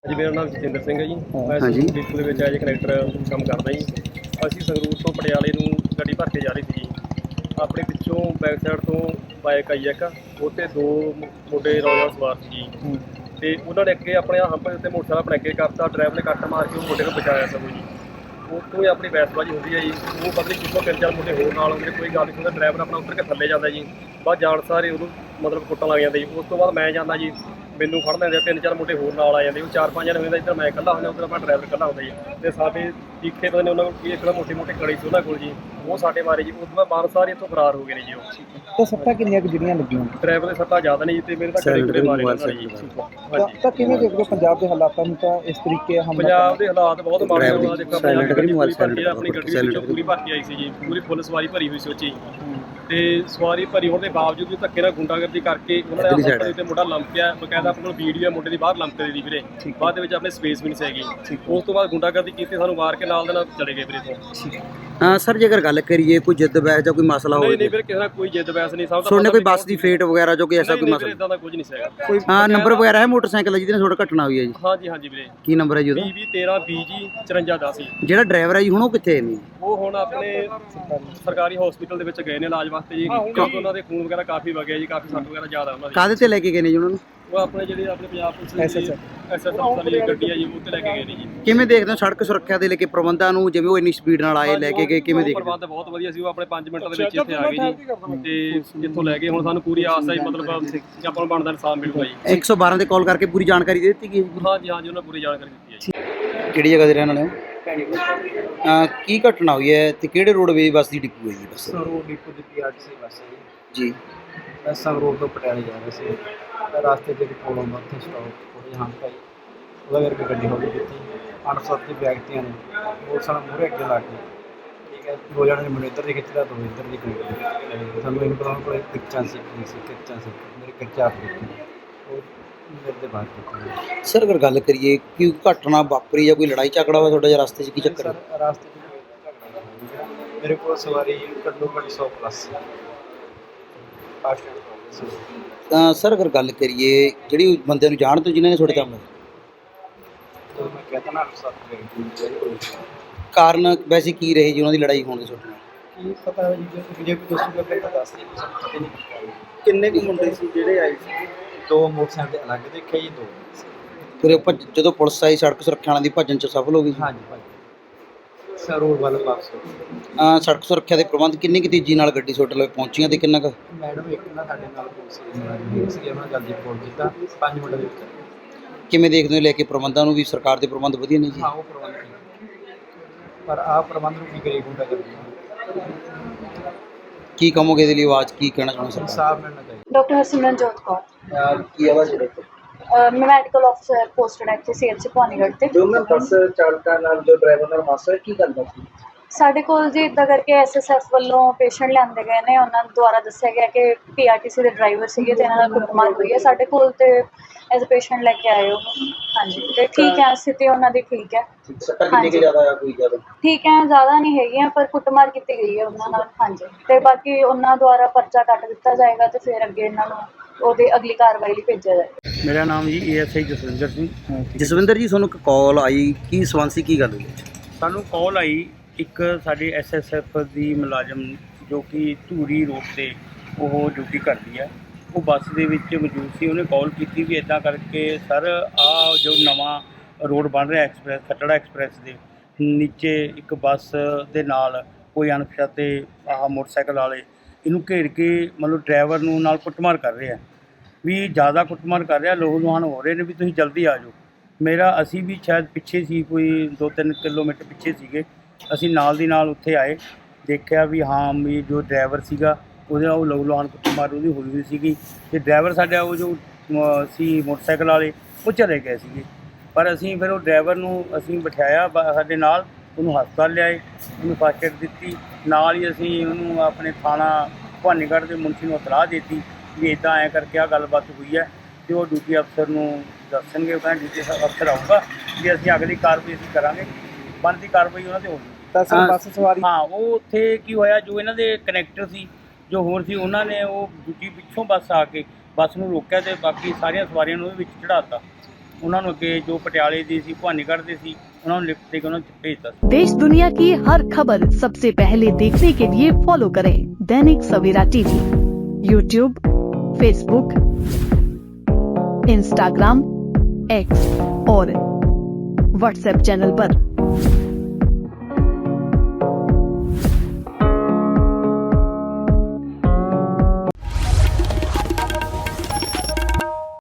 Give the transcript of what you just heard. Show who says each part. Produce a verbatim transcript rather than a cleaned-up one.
Speaker 1: जी मेरा नाम जतिंदर सिंह है जी। मैं
Speaker 2: हाँ जी।
Speaker 1: डिपो ਦੇ ਵਿੱਚ ਐਜ ਕਨੈਕਟਰ ਕੰਮ ਕਰਦਾ ਜੀ। ਅਸੀਂ ਸੰਗਰੂਰ ਤੋਂ ਪਟਿਆਲੇ ਨੂੰ ਗੱਡੀ ਭਰ ਕੇ ਜਾ ਰਹੀ ਸੀ ਜੀ। ਆਪਣੇ ਪਿੱਛੋਂ ਬੈਕ ਸਾਈਡ ਤੋਂ ਬਾਈਕ ਆਈ ਇੱਕ, ਉਹ 'ਤੇ ਦੋ ਮੁੰਡੇ ਨੌਜਵਾਨ ਸਵਾਰ ਸੀ ਜੀ। ਤੇ ਉਹਨਾਂ ਨੇ ਅੱਗੇ ਆਪਣੇ ਹੰਪ ਦੇ ਉੱਤੇ ਮੋਟਰਸਾਈਕਲ ਆਪਣੇ ਅੱਗੇ ਕਰਤਾ, ਡਰਾਈਵਰ ਨੇ ਕੱਟ ਮਾਰ ਕੇ ਉਹ ਮੁੰਡੇ ਨੂੰ ਬਚਾਇਆ ਸਗੋਂ ਜੀ। ਉੱਥੋਂ ਹੀ ਆਪਣੀ ਬਹਿਸਬਾਜ਼ੀ ਹੁੰਦੀ ਹੈ ਜੀ। ਉਹ ਪਤਾ ਨਹੀਂ ਕਿੱਥੋਂ ਤਿੰਨ ਚਾਰ ਮੁੰਡੇ ਹੋਰ ਨਾਲ ਆਉਂਦੇ, ਕੋਈ ਗੱਲ ਨਹੀਂ ਹੁੰਦਾ। ਡਰਾਈਵਰ ਆਪਣਾ ਉੱਤਰ ਕੇ ਥੱਲੇ ਜਾਂਦਾ ਜੀ, ਬਾਅਦ ਜਾਣ ਸਾਰੇ ਉਹਨੂੰ ਮਤਲਬ ਕੁੱਟਣ ਲੱਗ ਜਾਂਦੇ ਜੀ। ਉਸ ਤੋਂ ਬਾਅਦ ਮੈਂ ਜਾਂਦਾ ਜੀ, ਮੈਨੂੰ ਫੜ ਲੈਂਦੇ, ਤਿੰਨ ਚਾਰ ਮੁੰਡੇ ਹੋਰ ਨਾਲ ਆ ਜਾਂਦੇ। ਉਹ ਚਾਰ ਪੰਜ ਜਣੇ ਹੁੰਦੇ, ਇੱਧਰ ਮੈਂ ਇਕੱਲਾ ਹੁੰਦਾ, ਉੱਧਰ ਆਪਣਾ ਡਰਾਈਵਰ ਇਕੱਲਾ ਹੁੰਦਾ ਜੀ। ਅਤੇ ਸਾਡੇ ਟੀਕੇ ਪਤਾ ਨਹੀਂ ਉਹਨਾਂ ਕੋਲ ਕੀ ਇੱਕ ਮੋਟੀ ਮੋਟੀ ਕੜੀ ਸੀ ਉਹਨਾਂ ਕੋਲ ਜੀ, ਉਹ ਸਾਡੇ ਮਾਰੇ ਜੀ। ਉਸ ਤੋਂ ਬਾਅਦ ਬਾਹਰ ਸਾਰੇ ਇੱਥੋਂ ਫਰਾਰ ਹੋ ਗਏ ਨੇ ਜੀ। ਉਹ
Speaker 2: ਤਾਂ ਸੱਟਾਂ ਕਿੰਨੀਆਂ ਕੁ ਜਿਹੜੀਆਂ ਲੱਗੀਆਂ?
Speaker 1: ਡਰਾਈਵਰ ਦੇ ਸੱਟਾਂ ਜ਼ਿਆਦਾ ਨਹੀਂ ਤੇ ਮੇਰੇ ਤਾਂ ਕੜੇ ਕੁੜੇ ਮਾਰੇ ਉਹਨਾਂ ਨੇ ਜੀ। ਹਾਂਜੀ,
Speaker 2: ਤਾਂ ਕਿਵੇਂ ਦੇਖਦੇ ਹੋ ਪੰਜਾਬ ਦੇ ਹਾਲਾਤਾਂ ਨੂੰ? ਤਾਂ ਇਸ ਤਰੀਕੇ ਹਮਲਾ
Speaker 1: ਪੰਜਾਬ ਦੇ ਹਾਲਾਤ ਬਹੁਤ ਮਾੜੇ ਹੋਣਾ। ਦੇਖੋ ਪੰਜਾਬ ਦੀ ਗੱਡੀ ਪੂਰੀ ਭਰਤੀ ਆ, ਆਪਣੀ ਗੱਡੀ ਵਿੱਚੋਂ ਪੂਰੀ ਭਰਤੀ ਆਈ ਸੀ ਜੀ, ਪੂਰੀ ਫੁੱਲ ਸਵਾਰੀ ਭਰੀ ਹੋਈ ਸੀ ਉਹ 'ਚ ਜੀ। ਤੇ ਸਵਾਰੀ ਭਰੀ ਹੋਣ ਦੇ ਬਾਵਜੂਦ ਵੀ ਧੱਕੇ ਨਾਲ ਗੁੰਡਾਗਰਦੀ ਕਰਕੇ ਉਹਨਾਂ ਨੇ ਆਪਣੇ ਉੱਤੇ ਮੁੰਡਾ ਲੰਮਕਿਆ। ਬਕਾਇਦਾ ਆਪਣੇ ਕੋਲ ਵੀਡੀਓ ਮੁੰਡੇ ਦੀ ਬਾਹਰ ਲੰਮਕਦੇ ਦੀ ਵੀਰੇ, ਬਾਅਦ ਦੇ ਵਿੱਚ ਆਪਣੇ ਸਪੇਸ ਵੀ ਨਹੀਂ ਸੀਗੀ। ਉਸ ਤੋਂ ਬਾਅਦ ਗੁੰਡਾਗਰਦੀ ਕੀਤੀ, ਸਾਨੂੰ ਮਾਰ ਕੇ ਨਾਲ ਦੇ ਨਾਲ ਚਲੇ ਗਏ ਵੀਰੇ ਤੋਂ।
Speaker 2: ਹਾਂ ਸਰ, ਜੇਕਰ ਗੱਲ ਕਰੀਏ ਕੋਈ ਜਿੱਦ ਬਹਿਸ ਜਾਂ ਕੋਈ ਮਸਲਾ ਹੋਵੇ?
Speaker 1: ਨਹੀਂ ਨਹੀਂ ਵੀਰੇ, ਕਿਸੇ ਨਾਲ ਕੋਈ ਜਿੱਦ ਬਹਿਸ ਨਹੀਂ। ਸਭ
Speaker 2: ਸੁਣਨੇ ਕੋਈ ਬੱਸ ਦੀ ਫੇਟ ਵਗੈਰਾ ਜੋ ਕੋਈ ਐਸਾ ਕੋਈ ਮਸਲਾ?
Speaker 1: ਇਦਾਂ ਦਾ ਕੁਝ ਨਹੀਂ ਸੀਗਾ।
Speaker 2: ਕੋਈ ਹਾਂ ਨੰਬਰ ਵਗੈਰਾ ਹੈ ਮੋਟਰਸਾਈਕਲ ਜਿਹਦੇ ਨਾਲ ਥੋੜਾ ਘਟਨਾ ਹੋਈ ਹੈ ਜੀ?
Speaker 1: ਹਾਂਜੀ ਹਾਂਜੀ ਵੀਰੇ।
Speaker 2: ਕੀ ਨੰਬਰ ਹੈ ਜੀ ਉਹਦਾ?
Speaker 1: ਵੀਹ ਵੀਹ ਤੇਰਾਂ ਵੀਹ ਜੀ ਚੁਰੰਜਾ ਦਸ ਜੀ।
Speaker 2: ਜਿਹੜਾ ਡਰਾਈਵਰ ਹੈ ਜੀ ਹੁਣ ਉਹ ਕਿੱਥੇ ਨੇ?
Speaker 1: ਉਹ ਹੁਣ ਆਪਣੇ ਸਰਕਾਰੀ ਹਸਪੀਟਲ ਦੇ ਵਿੱਚ ਗਏ ਨੇ ਇਲਾਜ ਵਾਸਤੇ ਜੀ, ਕਿਉਂਕਿ ਉਹਨਾਂ ਦੇ ਖੂਨ ਵਗੈਰਾ ਕਾਫੀ ਵਗਿਆ ਜੀ, ਕਾਫੀ ਸੱਟ ਵਗੈਰਾ ਜ਼ਿਆਦਾ ਉਹਨਾਂ ਦੀ।
Speaker 2: ਕਾਹਦੇ ਤੇ ਲੈ ਕੇ ਗਏ ਨੇ ਜੀ ਉਹਨਾਂ ਨੂੰ?
Speaker 1: ਉਹ ਆਪਣੇ ਜਿਹੜੇ ਆਪਣੇ ਪੰਜਾਬ ਪੁਲਿਸ ਦੀ ਐਸ ਐਸ ਐਫ ਵਾਲੀ ਗੱਡੀ ਆ ਜੀ, ਉਹ ਤੇ ਲੈ ਕੇ ਗਏ ਨੇ ਜੀ।
Speaker 2: ਕਿਵੇਂ ਦੇਖਦੇ ਹੋ ਸੜਕ ਸੁਰੱਖਿਆ ਦੇ ਲੈ ਕੇ ਪ੍ਰਬੰਧਾਂ ਨੂੰ, ਜਿਵੇਂ ਉਹ ਇੰਨੀ ਸਪੀਡ ਨਾਲ ਆਏ ਲੈ ਕੇ ਗਏ, ਕਿਵੇਂ ਦੇਖਦੇ ਹੋ?
Speaker 1: ਪ੍ਰਬੰਧ ਬਹੁਤ ਵਧੀਆ ਸੀ। ਉਹ ਆਪਣੇ ਪੰਜ ਮਿੰਟਾਂ ਦੇ ਵਿੱਚ ਇੱਥੇ ਆ ਗਏ ਜੀ ਤੇ ਇੱਥੋਂ ਲੈ ਕੇ ਹੁਣ ਸਾਨੂੰ ਪੂਰੀ ਆਸ ਹੈ ਜੀ, ਮਤਲਬ ਕਿ ਆਪਾਂ ਨੂੰ ਬਣਦਾ ਇਨਸਾਫ ਮਿਲੂਗਾ ਜੀ।
Speaker 2: ਇੱਕ ਸੌ ਬਾਰਾਂ ਤੇ ਕਾਲ ਕਰਕੇ ਪੂਰੀ ਜਾਣਕਾਰੀ ਦੇ ਦਿੱਤੀ ਗਈ ਜੀ?
Speaker 1: ਹਾਂਜੀ ਹਾਂਜੀ, ਉਹਨਾਂ ਪੂਰੀ ਜਾਣਕਾਰੀ ਦਿੱਤੀ ਹੈ ਜੀ।
Speaker 2: ਕਿਹੜੀ ਜਗ੍ਹਾ ਦੇ ਰਹਿਣ ਵਾਲੇ ਹੋ? ਕੀ ਘਟਨਾ ਹੋਈ ਹੈ ਤੇ ਕਿਹੜੇ ਰੋਡਵੇਜ਼ ਬੱਸ ਦੀ ਡਿਪੂ ਹੈ ਜੀ? ਬੱਸ
Speaker 3: ਸੰਗਰੂਰ ਡਿਪੂ ਦੀ P R T C bus ਹੈ ਜੀ।
Speaker 2: ਜੀ
Speaker 3: ਮੈਂ ਸੰਗਰੂਰ ਤੋਂ ਪਟਿਆਲੇ ਜਾ ਰਿਹਾ ਸੀ। ਰਸਤੇ 'ਚ ਕੋਲੋਂ ਉੱਥੇ ਸਟਾਪ ਥੋੜ੍ਹੀ ਜਿਹੀ ਹੰਪ ਪਾਈ, ਉਹਦਾ ਕਰਕੇ ਗੱਡੀ ਹੌਲੀ ਕੀਤੀ। ਅਣਸੁਰੱਖਿਅਤ ਵਿਅਕਤੀਆਂ ਨੇ ਮੋਟਰਸਾਈਕਲ ਮੂਹਰੇ ਅੱਗੇ ਲਾ ਕੇ, ਠੀਕ ਹੈ, ਦੋ ਜਣੇ ਨੇ ਮੈਨੂੰ ਇੱਧਰ ਦੀ ਖਿੱਚਦਾ, ਦੋ ਇੱਧਰ ਦੀ ਖਿੱਚਦਾ। ਸਾਨੂੰ ਇਹ ਪਤਾ ਕੋਲ ਕਿੱਚਾਂ ਸੀ ਕੀ ਸੀ ਕਿੱਚਾਂ ਸੀ, ਮੇਰੇ ਕਿੱਚਾ ਦਿੱਤੀ ਉਹ ਮੇਰੇ ਦੇ ਬਾਹਰ ਕੀਤੀ।
Speaker 2: ਸਰ ਅਗਰ ਗੱਲ ਕਰੀਏ ਕਿ ਘਟਨਾ ਵਾਪਰੀ ਜਾਂ ਕੋਈ ਲੜਾਈ ਝਗੜਾ ਹੋਇਆ ਤੁਹਾਡੇ ਰਸਤੇ 'ਚ, ਕੀ ਚੱਕਰ ਹੈ?
Speaker 3: ਸਰ ਰਸਤੇ 'ਚ ਕੋਈ ਝਗੜਾ ਨਹੀਂ ਹੋਇਆ। ਮੇਰੇ ਕੋਲ ਸਵਾਰੀ ਘੱਟੋ ਘੱਟ ਸੌ ਪਲੱਸ ਸੀ। ਫਾਸਟ ਸੀ।
Speaker 2: ਤਾਂ ਸਰ ਅਗਰ ਗੱਲ ਕਰੀਏ ਜਿਹੜੀ ਬੰਦਿਆਂ ਨੂੰ ਜਾਣ ਤੋਂ ਜਿਨ੍ਹਾਂ ਨੇ ਤੁਹਾਡੇ ਕੰਮ
Speaker 3: ਜਦੋਂ ਮੈਂ ਕਹਿੰਦਾ ਨਾ ਸੱਤ
Speaker 2: ਕਾਰਨ ਵੈਸੇ ਕੀ ਰਹੇ ਜੀ ਉਹਨਾਂ ਦੀ ਲੜਾਈ ਹੋਣ ਦੇ ਤੁਹਾਡੇ ਨਾਲ?
Speaker 3: ਕੀ ਪਤਾ ਹੈ ਜੀ, ਜੇ ਜੇ ਕੋਈ ਦੱਸੂਗਾ ਫਿਰ ਤਾਂ ਦੱਸ ਦੇ। ਪਤਾ ਨਹੀਂ
Speaker 2: ਕਿੰਨੇ ਕੁ ਮੁੰਡੇ ਸੀ ਜਿਹੜੇ ਆਏ ਸੀ?
Speaker 3: ਦੋ ਮੋਟਰਸਾਈਕਲ ਦੇ ਅਲੱਗ ਦੇਖਿਆ ਜੀ, ਦੋ
Speaker 2: ਫਿਰ ਉਹ ਭੱਜ- ਜਦੋਂ ਪੁਲਿਸ ਆਈ ਸੜਕ ਸੁਰੱਖਿਆ ਵਾਲਿਆਂ ਦੀ ਭੱਜਣ 'ਚ ਸਫਲ ਹੋ ਗਈ?
Speaker 3: ਹਾਂਜੀ ਭਾਜੀ ਸਰ ਰੋਡ ਵੱਲ ਵਾਪਸ ਹੋ ਗਏ।
Speaker 2: ਅਹ ਸੜਕ ਸੁਰੱਖਿਆ ਦੇ ਪ੍ਰਬੰਧ ਕਿੰਨੀ ਕੁ ਤੇਜ਼ੀ ਨਾਲ ਗੱਡੀ ਤੁਹਾਡੇ ਲਈ ਪਹੁੰਚੀਆਂ ਤੇ ਕਿੰਨਾ ਕੁ?
Speaker 3: ਮੈਡਮ ਇੱਕ ਨਾ ਸਾਡੇ ਨਾਲ ਪੁਲਿਸ ਦੇ ਮੁਲਾਜ਼ਮ ਸੀਗੇ, ਉਹਨਾਂ ਨੇ ਜਲਦੀ ਫੋਨ ਕੀਤਾ, ਪੰਜ ਮਿੰਟ ਦੇ ਵਿੱਚ।
Speaker 2: ਕਿਵੇਂ ਦੇਖਦੇ ਹੋ ਲੈ ਕੇ ਪ੍ਰਬੰਧਾਂ ਨੂੰ ਵੀ ਸਰਕਾਰ ਦੇ ਪ੍ਰਬੰਧ ਵਧੀਆ ਨੇ ਜੀ?
Speaker 3: ਹਾਂ ਉਹ ਪ੍ਰਬੰਧ ਠੀਕ, ਪਰ ਆਹ ਪ੍ਰਬੰਧ ਨੂੰ ਕੀ ਕਰੀਏ, ਗੁੰਡਾ ਕਰਦੀ
Speaker 2: ਕੀ ਕਹੋਗੇ ਇਹਦੇ ਲਈ ਆਵਾਜ਼ ਕੀ ਕਹਿਣਾ ਚਾਹੁੰਦੇ ਸਰ?
Speaker 3: ਇਨਸਾਫ ਮਿਲਣਾ ਚਾਹੀਦਾ।
Speaker 4: ਡਾਕਟਰ ਹਰਸਿਮਰਨਜੋਤ ਕੌਰ,
Speaker 2: ਕੀ ਆਵਾਜ਼ ਹੈ?
Speaker 4: ਮੈਂ ਮੈਡੀਕਲ ਅਫਸਰ ਪੋਸਟਡ ਇੱਥੇ ਸੀਐਚ ਭਵਾਨੀਗੜ੍ਹ ਤੇ।
Speaker 2: ਜੋ ਮੈਂ ਬੱਸ ਚਾਲਕਾਂ ਨਾਲ ਜੋ ਡਰਾਈਵਰ ਨਾਲ ਹਾਦਸਾ ਕੀ ਕਰਦਾ ਸੀ?
Speaker 4: ਸਾਡੇ ਕੋਲ ਜੀ ਇੱਦਾਂ ਕਰਕੇ ਐਸਐਸਐਫ ਵੱਲੋਂ ਪੇਸ਼ੈਂਟ ਲਿਆਂਦੇ ਗਏ ਨੇ। ਉਹਨਾਂ ਦੁਆਰਾ ਦੱਸਿਆ ਗਿਆ ਕਿ ਪੀਆਰਟੀਸੀ ਦੇ ਡਰਾਈਵਰ ਸੀਗੇ ਤੇ ਇਹਨਾਂ ਨਾਲ ਕੁੱਟਮਾਰ ਹੋਈ ਹੈ। ਸਾਡੇ ਕੋਲ ਤੇ ਐਜ਼ ਅ ਪੇਸ਼ੈਂਟ ਲੈ ਕੇ ਆਏ ਹੋ। ਹਾਂਜੀ ਤੇ ਠੀਕ ਹੈ, ਸਥਿਤੀ ਉਹਨਾਂ ਦੀ ਠੀਕ ਹੈ।
Speaker 2: ਸੱਟਾਂ ਕਿੰਨੀ ਕੁ ਜ਼ਿਆਦਾ ਆ ਕੋਈ ਜ਼ਿਆਦਾ?
Speaker 4: ਠੀਕ ਹੈ, ਜ਼ਿਆਦਾ ਨਹੀਂ ਹੈਗੀਆਂ, ਪਰ ਕੁੱਟਮਾਰ ਕੀਤੀ ਗਈ ਹੈ ਉਹਨਾਂ ਨਾਲ। ਹਾਂਜੀ ਤੇ ਬਾਕੀ ਉਹਨਾਂ ਦੁਆਰਾ ਪਰਚਾ ਕੱਟ ਦਿੱਤਾ ਜਾਏਗਾ ਤੇ ਫਿਰ ਅੱਗੇ ਇਹਨਾਂ ਨੂੰ ਉਹਦੀ ਅਗਲੀ ਕਾਰਵਾਈ ਲਈ ਭੇਜਿਆ ਜਾਏਗਾ।
Speaker 5: ਮੇਰਾ ਨਾਮ ਜੀ A S I Jaswinder Singh.
Speaker 2: Jaswinder ji, ਤੁਹਾਨੂੰ ਇੱਕ ਕਾਲ ਆਈ, ਕੀ ਸੰਬੰਧ ਸੀ, ਕੀ ਗੱਲ ਹੋਈ?
Speaker 5: ਸਾਨੂੰ ਕਾਲ ਆਈ ਇੱਕ ਸਾਡੇ ਐਸ ਐਸ ਐਫ ਦੀ ਮੁਲਾਜ਼ਮ ਜੋ ਕਿ ਧੂਰੀ ਰੋਡ 'ਤੇ ਉਹ ਡਿਊਟੀ ਕਰਦੀ ਹੈ, ਉਹ ਬੱਸ ਦੇ ਵਿੱਚ ਮੌਜੂਦ ਸੀ। ਉਹਨੇ ਕਾਲ ਕੀਤੀ ਵੀ ਇੱਦਾਂ ਕਰਕੇ ਸਰ ਆਹ ਜੋ ਨਵਾਂ ਰੋਡ ਬਣ ਰਿਹਾ ਐਕਸਪ੍ਰੈਸ ਖੱਟੜਾ ਐਕਸਪ੍ਰੈਸ ਦੇ ਨੀਚੇ ਇੱਕ ਬੱਸ ਦੇ ਨਾਲ ਕੋਈ ਅਣਪਛਾਤੇ ਆਹ ਮੋਟਰਸਾਈਕਲ ਵਾਲੇ ਇਹਨੂੰ ਘੇਰ ਕੇ ਮਤਲਬ ਡਰਾਈਵਰ ਨੂੰ ਨਾਲ ਕੁੱਟਮਾਰ ਕਰ ਰਿਹਾ ਵੀ, ਜ਼ਿਆਦਾ ਕੁੱਟਮਾਰ ਕਰ ਰਿਹਾ, ਲੋਹ ਲੁਹਾਨ ਹੋ ਰਹੇ ਨੇ ਵੀ ਤੁਸੀਂ ਜਲਦੀ ਆ ਜਾਓ। ਮੇਰਾ ਅਸੀਂ ਵੀ ਸ਼ਾਇਦ ਪਿੱਛੇ ਸੀ, ਕੋਈ ਦੋ ਤਿੰਨ ਕਿਲੋਮੀਟਰ ਪਿੱਛੇ ਸੀਗੇ। ਅਸੀਂ ਨਾਲ ਦੀ ਨਾਲ ਉੱਥੇ ਆਏ, ਦੇਖਿਆ ਵੀ ਹਾਂ ਵੀ ਜੋ ਡਰਾਈਵਰ ਸੀਗਾ ਉਹਦੇ ਉਹ ਲਹੂ ਲੁਹਾਨ ਕੁੱਟਮਾਰ ਉਹਦੀ ਹੋਈ ਹੋਈ ਸੀਗੀ ਤੇ ਡਰਾਈਵਰ ਸਾਡਾ ਉਹ ਜੋ ਸੀ ਮੋਟਰਸਾਈਕਲ ਵਾਲੇ ਉਹ ਚਲੇ ਗਏ ਸੀਗੇ। ਪਰ ਅਸੀਂ ਫਿਰ ਉਹ ਡਰਾਈਵਰ ਨੂੰ ਅਸੀਂ ਬਿਠਾਇਆ ਸਾਡੇ ਨਾਲ, ਉਹਨੂੰ ਹਸਪਤਾਲ ਲਿਆਏ, ਉਹਨੂੰ ਫਸਟ ਏਡ ਦਿੱਤੀ। ਨਾਲ ਹੀ ਅਸੀਂ ਉਹਨੂੰ ਆਪਣੇ ਥਾਣਾ ਭਵਾਨੀਗੜ੍ਹ ਦੇ ਮੁਨਸ਼ੀ ਨੂੰ ਇਤਲਾਹ ਦੇ ਦਿੱਤੀ ਵੀ ਇੱਦਾਂ ਐਂ ਕਰਕੇ ਆਹ ਗੱਲਬਾਤ ਹੋਈ ਹੈ ਅਤੇ ਉਹ ਡਿਊਟੀ ਅਫਸਰ ਨੂੰ ਦੱਸਣਗੇ। ਉਹ ਕਹਿੰਦੇ ਡਿਊਟੀ ਅਫਸਰ ਆਊਗਾ ਵੀ ਅਸੀਂ ਅਗਲੀ ਕਾਰਵਾਈ ਅਸੀਂ ਕਰਾਂਗੇ, ਬਣਦੀ ਕਾਰਵਾਈ ਉਹਨਾਂ 'ਤੇ ਹੋਊਗੀ।
Speaker 2: ਤਾਂ ਸਰ ਬੱਸ ਸਵਾਰੀ
Speaker 5: ਹਾਂ, ਉਹ ਉੱਥੇ ਕੀ ਹੋਇਆ, ਜੋ ਇਹਨਾਂ ਦੇ ਕਨੈਕਟਰ ਸੀ ਜੋ ਹੋਰ ਸੀ, ਉਹਨਾਂ ਨੇ ਉਹ ਦੂਜੀ ਪਿੱਛੋਂ ਬੱਸ ਆ ਕੇ ਬੱਸ ਨੂੰ ਰੋਕਿਆ ਅਤੇ ਬਾਕੀ ਸਾਰੀਆਂ ਸਵਾਰੀਆਂ ਨੂੰ ਉਹਦੇ ਵਿੱਚ ਚੜ੍ਹਾ ਦਿੱਤਾ। ਉਹਨਾਂ ਨੂੰ ਅੱਗੇ ਜੋ ਪਟਿਆਲੇ ਦੀ ਸੀ ਭਵਾਨੀਗੜ੍ਹ ਦੇ ਸੀ ਉਹਨਾਂ ਨੂੰ ਲਿਫਟ ਦੇ ਕੇ ਉਹਨਾਂ 'ਚ ਭੇਜਤਾ ਸੀ।
Speaker 6: देश दुनिया की हर खबर सबसे पहले देखने के लिए फॉलो करें Dainik Savera TV, YouTube, Facebook, Instagram, X और व्हाट्सएप चैनल पर।